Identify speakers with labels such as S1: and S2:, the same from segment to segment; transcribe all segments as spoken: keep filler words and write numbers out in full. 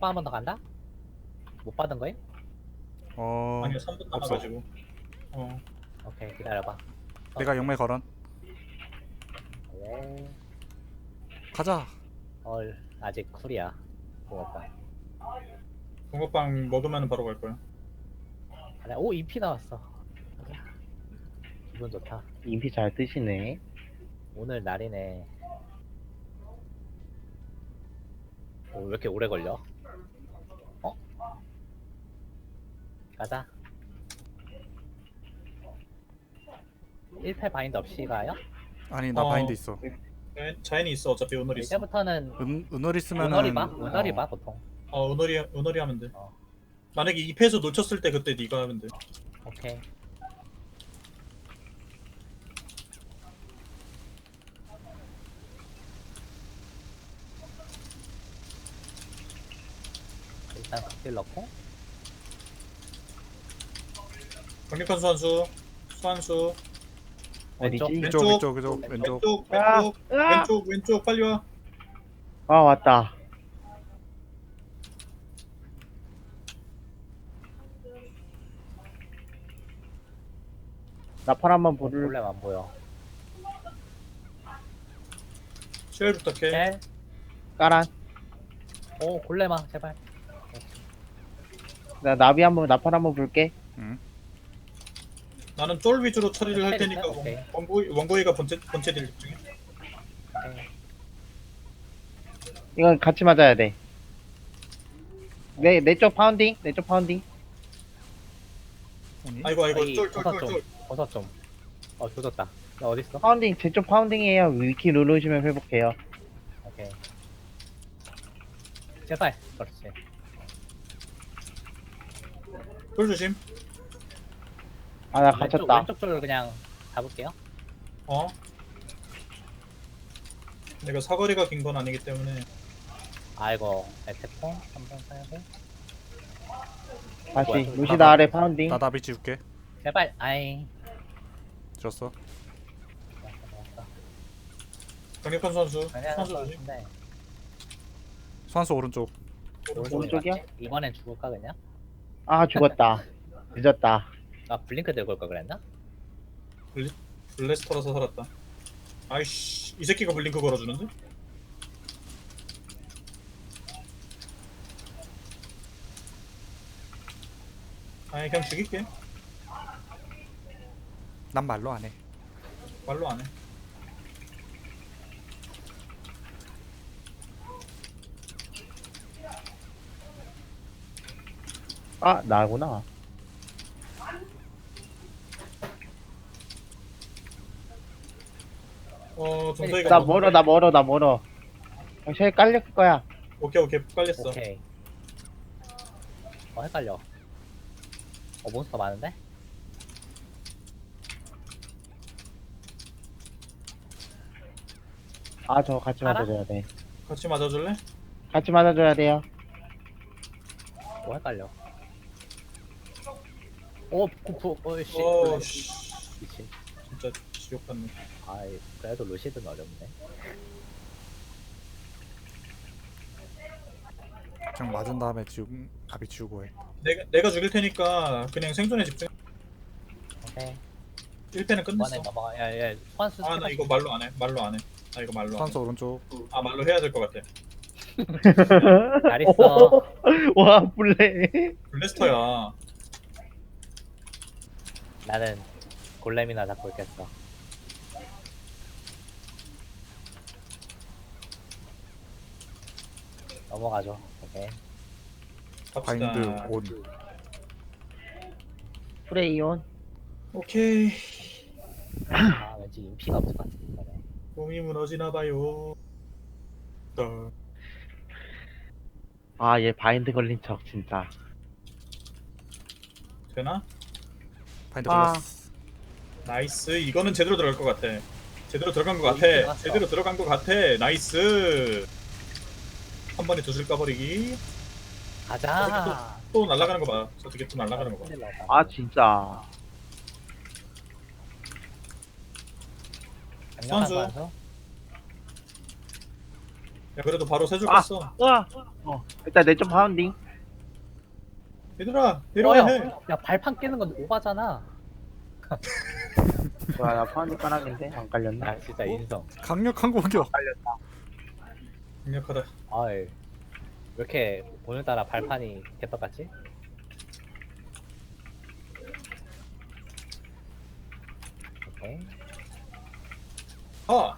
S1: 공격방 한 번 더 간다? 못 받은 거임?
S2: 어
S3: 아니요 삼 분
S2: 없어.
S3: 남아가지고. 어
S1: 오케이 기다려봐.
S2: 내가 영매 걸은.
S1: 네.
S2: 가자.
S1: 헐 아직 쿨이야. 공격방.
S3: 붕어빵 먹으면 바로 갈 거야.
S1: 그래. 오 이피 나왔어. 가자. 기분 좋다.
S4: 인피 잘 뜨시네.
S1: 오늘 날이네. 오, 왜 이렇게 오래 걸려? 어? 가자. 일 패 바인드 없이 가요?
S2: 아니 나
S3: 어.
S2: 바인드 있어.
S3: 자- 자연이 있어 어차피 은월이 있어.
S1: 이제부터는
S2: 은 은월 있으면은
S1: 은월이 봐? 은월이
S2: 어,
S1: 봐 보통.
S3: 어 은월이 은월이 하면 돼.
S1: 어.
S3: 만약에 이 패에서 놓쳤을 때 그때 네가 하면 돼.
S1: 오케이. 일단 극딜 넣고
S3: 강력한 수환수 수환수
S4: 어디지?
S1: 왼쪽.
S2: 왼쪽
S3: 왼쪽.
S2: 왼쪽 왼쪽 왼쪽.
S3: 왼쪽
S4: 아,
S3: 왼쪽
S4: 으아!
S3: 왼쪽 왼쪽 빨리 와.
S4: 아 왔다. 나팔 한번 부를.
S1: 볼렘 안 보여.
S3: 시열 부탁해.
S1: 셀.
S4: 까란.
S1: 오 골렘아 제발.
S4: 나 나비 한번 나팔 한번 불게.
S2: 응.
S3: 나는 쫄 위주로 처리를 할 테니까
S1: 오케이.
S3: 원고이 원고이가 번째 번째 딜 집중해.
S1: 오케이.
S4: 이건 같이 맞아야 돼. 내 내 쪽 파운딩. 내 쪽 파운딩.
S2: 아니,
S3: 아이고 아이고
S1: 여기 버섯
S3: 쫄쫄쫄
S1: 좀.
S3: 쫄.
S1: 버섯 좀. 어 조졌다. 나 어디 있어?
S4: 파운딩 제 쪽 파운딩이에요. 위키 누르시면 회복해요.
S1: 오케이. 제발. 그렇지.
S3: 쫄 조심.
S4: 아 나
S1: 왼쪽
S4: 갇혔다.
S1: 왼쪽 쪽을 그냥 잡을게요.
S3: 어. 내가 사거리가 긴 건 아니기 때문에
S1: 아이고 에테폰 한번 사야돼.
S4: 다시
S1: 뭐야,
S4: 루시다 아래 파운딩.
S2: 나 나비 지울게.
S1: 제발. 아이.
S2: 줬어.
S1: 좋았어, 좋았어.
S3: 강력한 선수
S1: 그냥
S3: 선수 조심.
S1: 같은데
S2: 수환수 오른쪽.
S4: 오른쪽이야?
S1: 맞지? 이번엔 죽을까 그냥?
S4: 아 죽었다. 늦었다.
S1: 아 블링크 들고 올 걸 그랬나?
S3: 블래스터라서 살았다. 아이씨 이 새끼가 블링크 걸어주는데? 아니 그냥 죽일게.
S2: 난 말로 안 해.
S3: 말로 안 해.
S4: 아 나구나.
S3: 어 정서이가
S4: 나
S3: 먹는데?
S4: 멀어 나 멀어 나 멀어. 쉘 깔릴 거야.
S3: 오케이 오케이 깔렸어.
S1: 오케이. 어 헷갈려. 어 몬스터 많은데?
S4: 아 저 같이
S1: 알아?
S4: 맞아줘야 돼.
S3: 같이 맞아줄래?
S4: 같이 맞아줘야 돼요.
S1: 어 헷갈려. 오 쿠프 어이씨.
S3: 어씨
S1: 미친.
S3: 진짜 지옥 같네.
S1: 아이 그래도 루시드는 어렵네.
S2: 그냥 맞은 다음에 지우 나비 지우고 해.
S3: 내가 내가 죽일 테니까 그냥 생존에 집중.
S1: 오케이.
S3: 일 패는
S1: 이번에
S3: 끝냈어.
S1: 넘어가. 야야 소환수.
S3: 아 나 이거 말로 안 해. 말로 안 해. 나 이거 말로 안 해.
S2: 수환수 오른쪽.
S3: 아 말로 해야 될 것 같아.
S1: 잘 있어.
S4: 와 블레.
S3: 블래스터야.
S1: 나는 골렘이나 잡고 있겠어. 넘어가죠. 오케이.
S3: 갑시다.
S2: 바인드 온.
S4: 프레이온.
S3: 오케이.
S1: 아 왠지 인피가 없을 것 같은데.
S3: 몸이 무너지나 봐요. 어,
S4: 아 얘 바인드 걸린 척 진짜.
S3: 되나?
S2: 바인드
S4: 아.
S2: 걸렸어.
S3: 나이스. 이거는 제대로 들어갈 것 같아. 제대로 들어간 것
S1: 어,
S3: 같아.
S1: 들어갔어.
S3: 제대로 들어간 것 같아. 나이스. 한 번에 두술 까버리기.
S1: 가자.
S3: 또 날아가는 거 봐. 저렇게 또 날아가는 거 봐.
S1: 큰일 났다.
S4: 아 진짜.
S1: 강력한
S3: 선수.
S1: 선수.
S3: 야 그래도 바로 세줄
S4: 아.
S3: 깠어.
S4: 으아. 어 일단 내쪽 파운딩.
S3: 얘들아 내려와야
S1: 어,
S3: 해.
S1: 야, 야 발판 깨는 건 오바잖아.
S4: 와, 나 파운딩 까놨는데 안 깔렸나?
S1: 아 진짜 인성.
S2: 강력한 공격.
S3: 강력하다.
S1: 아이 왜 이렇게 오늘따라 발판이 개떡같지? 오케이.
S3: 아.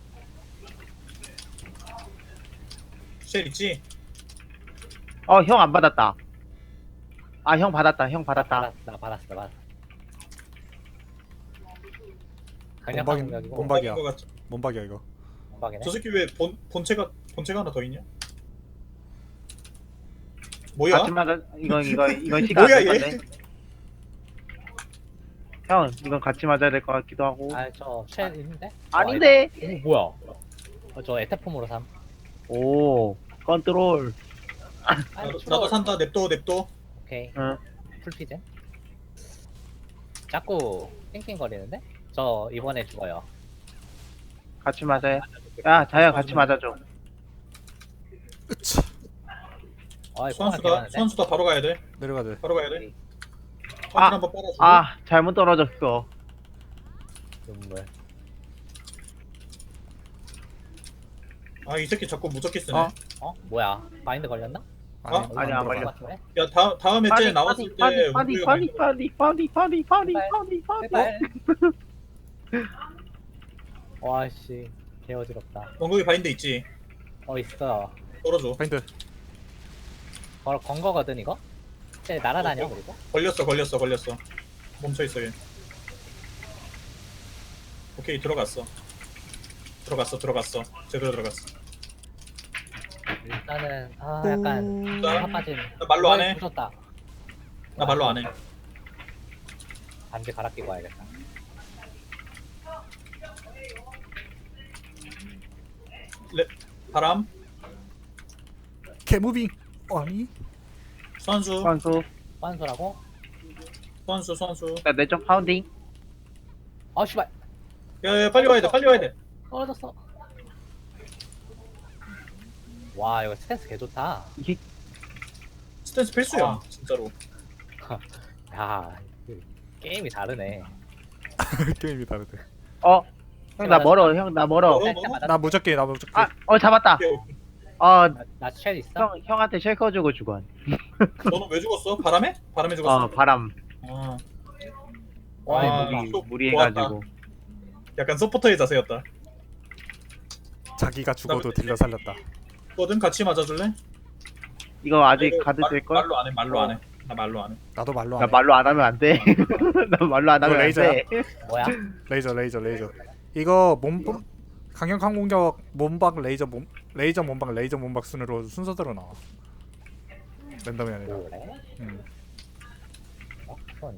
S3: 쉘 있지?
S4: 어 형 안 받았다. 아 형 받았다. 형 받았다.
S1: 받았, 나 받았어, 나 받았어. 강력한
S2: 몸박이
S1: 공격이고
S2: 몸박이야.
S3: 것 같아.
S2: 몸박이야 이거.
S1: 몸박이네.
S3: 저 새끼 왜 본, 본체가 본체가 하나 더 있냐? 뭐야?
S4: 같이 맞아. 이건 이거 이건 시간
S3: 뭐야,
S4: 안될
S3: 얘?
S4: 건데. 형 이건 같이 맞아야 될 것 같기도 하고.
S1: 아저쉘 있는데?
S4: 아닌데.
S1: 어, 뭐야? 어, 저 에테폼으로 삼.
S4: 오 컨트롤.
S1: 아니,
S3: 나도,
S1: 추워.
S3: 나도 산다. 냅둬 냅둬.
S1: 오케이.
S4: 응.
S1: 풀피젠. 자꾸 띵띵거리는데? 저 이번에 죽어요.
S4: 같이 맞아요. 야 자야 같이 맞아줘.
S2: 으차.
S1: 아이 뽕을
S3: 수환수다.
S1: 개하는데?
S3: 수환수다. 바로 가야 돼.
S2: 내려가 돼.
S3: 바로 가야 돼.
S4: 아.
S3: 아, 한번 빨아주고.
S4: 아 잘못 떨어졌어.
S1: 눈물.
S3: 아, 이 새끼 자꾸 무적기 쓰네.
S2: 어?
S1: 어? 뭐야? 마인드 걸렸나?
S2: 아니,
S3: 어?
S2: 안
S4: 아니, 안
S2: 들어가.
S4: 걸려.
S1: 같은데?
S3: 야, 다, 다음에 쟤 나왔을 때
S4: 파디 파디
S3: 우리
S4: 파디 파디 파디 파디 파디 파디 파디.
S1: 제발. 와씨 개어지럽다.
S3: 원국이 바인드 있지?
S1: 어 있어.
S3: 떨어져.
S2: 파인드.
S1: 걸, 건 거거든 이거? 쟤 날아다녀
S3: 어, 어.
S1: 그리고?
S3: 걸렸어 걸렸어 걸렸어. 멈춰있어 얘. 오케이 들어갔어. 들어갔어 들어갔어. 제대로 들어갔어.
S1: 일단은 아 약간
S3: 나-
S1: 화 빠진.
S3: 나 말로 안 해.
S1: 부졌다.
S3: 나 말로 안 해.
S1: 반지 갈아 끼고 와야겠다.
S3: 레, 바람.
S2: 개무빙. 아니.
S3: 선수.
S4: 선수.
S1: 환수라고?
S3: 선수 선수.
S4: 나 내쪽 파운딩.
S1: 아 씨발
S3: 야야 빨리 와야 돼 빨리 와야 돼.
S1: 떨어졌어. 와 이거 스탠스 개 좋다.
S4: 이게
S3: 스탠스 필수야
S1: 아.
S3: 진짜로.
S1: 야 그, 게임이 다르네.
S2: 게임이 다르대.
S4: 어. 형 나 멀어. 형 나 멀어.
S3: 어?
S1: 살짝 맞았.
S2: 나 무적게 나 무적게.
S4: 아, 어 잡았다.
S3: 오케이, 오케이.
S4: 어,
S1: 나쉘 있어?
S4: 형 형한테 쉘커 주고 죽어.
S3: 너는 왜 죽었어? 바람에? 바람에 죽었어?
S4: 어, 바람.
S3: 아,
S1: 와
S3: 아,
S1: 이거
S4: 무리
S3: 또
S4: 무리해가지고.
S3: 약간 서포터의 자세였다.
S2: 자기가 죽어도 딜러 살렸다.
S3: 뭐든 같이 맞아줄래?
S4: 이거 아직
S3: 이거
S4: 가드
S3: 말-
S4: 될 걸?
S3: 말로 안 해, 말로 안 해. 나 말로 안 해.
S2: 나도 말로
S4: 나
S2: 안 해.
S4: 말로 안 하면 안 돼. 나 말로 안 하면 안
S2: 레이저야?
S4: 돼.
S1: 뭐야?
S2: 레이저 레이저 레이저. 이거 몸 강력한 공격 몸박 레이저 몸 레이저 몸박 레이저 몸박 순으로 순서대로 나와. 랜덤이 아니라.
S1: 그래?
S2: 음.
S1: 어? 손.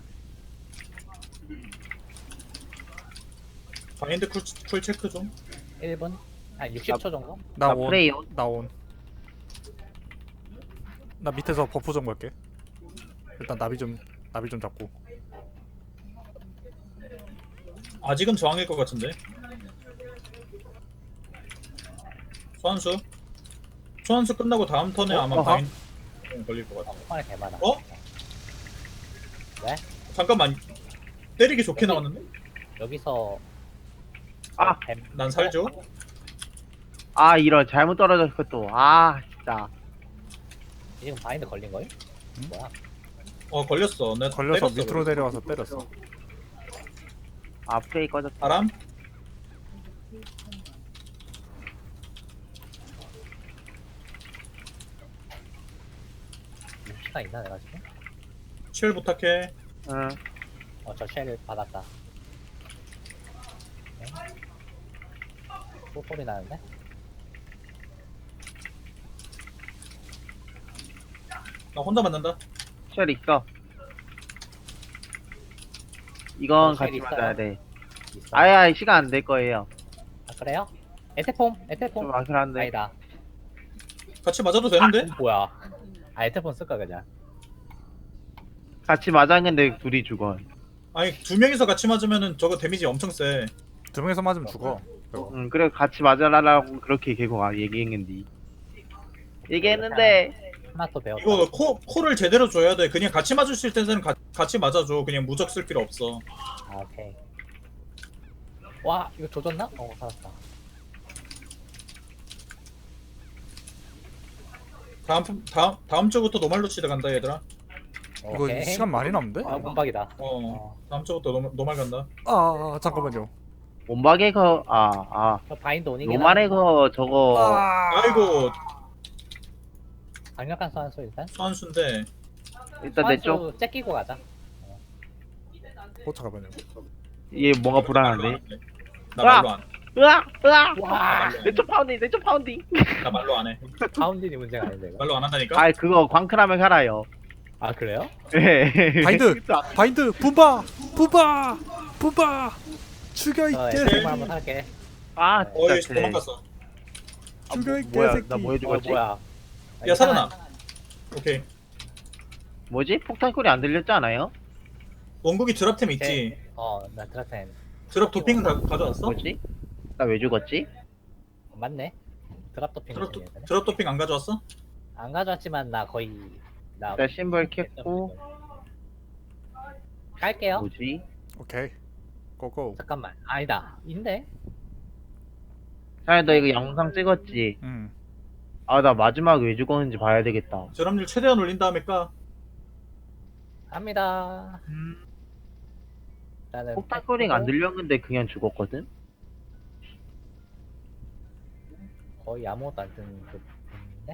S3: 바인드 쿨, 쿨 체크 좀.
S1: 일 분? 한 육십 초 정도?
S2: 나
S4: 나
S2: 온.
S4: 프레이온.
S2: 나 온. 나 밑에서 버프 좀 걸게. 일단 나비 좀 나비 좀 잡고.
S3: 아직은 저항일 것 같은데. 소환수. 소환수 끝나고 다음 턴에
S2: 어?
S3: 아마
S2: 어허?
S3: 바인드 걸릴 것 같아.
S1: 어, 폰에 개 많아.
S3: 어?
S1: 왜?
S3: 잠깐만. 때리기 좋게 나왔는데?
S1: 여기서
S4: 아.
S1: 뱀-
S3: 난 살죠.
S4: 아, 이런 잘못 떨어졌어 또. 아, 진짜.
S1: 지금 바인드 걸린 거임?
S2: 응?
S1: 뭐야?
S3: 어 걸렸어. 내가
S2: 걸려서
S3: 때렸어,
S2: 밑으로
S3: 그래서.
S2: 내려와서 때렸어.
S4: 아, 프레이 꺼졌다.
S3: 바람.
S1: 시간 있나 내가 지금?
S3: 쉘 부탁해.
S4: 응.
S1: 어저 쉘을 받았다. 또 소리 나는데?
S3: 나 혼자 맞는다.
S4: 쉘 있어. 이건
S1: 어, 쉘
S4: 같이
S1: 있어요?
S4: 맞아야 돼.
S1: 있어.
S4: 아야, 시간 안 될 거예요.
S1: 아, 그래요? 에테폼? 에테폼?
S4: 좀 아슬 한데.
S1: 아니다.
S3: 같이 맞아도 되는데?
S1: 아, 뭐야? 아 에테폼 쓸까 그냥?
S4: 같이 맞았는데 둘이 죽어.
S3: 아니 두 명이서 같이 맞으면은 저거 데미지 엄청 세.
S2: 두 명이서 맞으면 죽어. 이거.
S4: 응, 그래 같이 맞아라라고 그렇게 계속 아, 얘기했는데. 얘기했는데
S1: 하나 또 배웠다.
S3: 이거 코 코를 제대로 줘야 돼. 그냥 같이 맞을 수 있을 때는 가, 같이 맞아줘. 그냥 무적 쓸 필요 없어.
S1: 아, 오케이. 와, 이거 조졌나? 어, 살았다.
S3: 다음 다음 다음 주부터 노말루시드 간다 얘들아.
S2: 이거
S1: 오케이.
S2: 시간 많이 남는데?
S1: 아, 문박이다.
S3: 어
S1: 어.
S3: 다음 주부터 노, 노말 간다.
S2: 아, 아 잠깐만요.
S4: 몸박에 거 아, 아.
S1: 저 바인드 오니긴
S4: 노말에 거 저거
S2: 아,
S3: 아이고
S1: 강력한 소환수 일단.
S3: 소환수인데
S4: 일단 내 쪽.
S1: 소환수 째끼고 가자.
S2: 어 잠깐만요.
S4: 얘 뭔가
S3: 말로
S4: 불안한데.
S3: 안 해. 나 말로 안.
S4: 으악! 으악!
S1: 와,
S4: 내 쪽 파운딩, 내 쪽 파운딩.
S3: 나 말로 안 해.
S1: 가운데이 문제가 아닌데 이거.
S3: 말로 안 한다니까.
S4: 아, 그거 광크라면 살아요.
S1: 아, 그래요?
S4: 예.
S2: 바인드! 바인드! 분바! 분바! 분바! 죽여 이
S1: 저
S2: 개새끼!
S1: 에스엠을 한번 할게.
S4: 아,
S3: 어이
S4: 진짜.
S3: 도망갔어.
S4: 아,
S2: 죽여 이
S4: 뭐야?
S2: 개새끼!
S4: 나 뭐 해준
S1: 어,
S4: 거지?
S1: 뭐야?
S3: 야 살아나. 오케이.
S4: 뭐지? 폭탄 소리 안 들렸지 않아요?
S3: 원국이 드랍템
S1: 오케이.
S3: 있지.
S1: 어, 나 드라텐.
S3: 드랍 도핑은 다 가져왔어?
S4: 뭐지? 나 왜 죽었지?
S1: 맞네. 드랍 도핑
S3: 드랍, 도,
S1: 중이네.
S3: 드랍 도핑 안 가져왔어?
S1: 안 가져왔지만 나 거의 나
S4: 일단 심벌 켰고.
S1: 갈게요.
S4: 뭐지?
S2: 오케이. 고고.
S1: 잠깐만. 아니다. 인데?
S4: 아, 너 이거 영상 찍었지?
S2: 음.
S4: 아, 나 마지막 왜 죽었는지 봐야 되겠다.
S3: 드랍률 최대한 올린 다음에 까.
S1: 갑니다. 나는
S4: 폭탄 소리가 안 들렸는데 그냥 죽었거든?
S1: 거의 아무것도 안 뜨는 그 데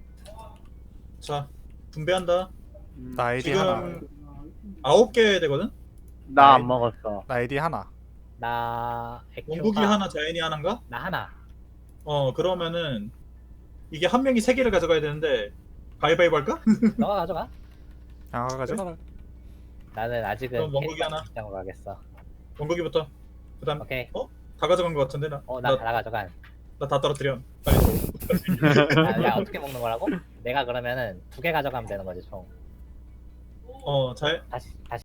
S3: 자 분배한다.
S2: 나 아이디 하나.
S3: 지금 아홉 개 되거든.
S4: 나 안 먹었어.
S2: 나 아이디 하나.
S1: 나 액큐가
S3: 원국이 하나, 자연이 하나인가?
S1: 나 하나.
S3: 어 그러면은 이게 한 명이 세 개를 가져가야 되는데 가위바위보 할까?
S1: 너가 가져가.
S2: 아, 가져가.
S1: 나는 아직은
S3: 그럼 원국이
S1: 캐릭터
S3: 하나.
S1: 입장으로 가겠어.
S3: 원국이부터. 그다음
S1: 오케이.
S3: 다 가져간 것 같은데 나.
S1: 어, 나 다 가져간.
S3: 나 다 떨어뜨려. 빨리 줘.
S1: 야, 야, 어떻게 먹는 거라고? 내가 그러면은 두 개 가져가면 되는 거지 총.
S3: 어 잘.
S1: 다시 다시.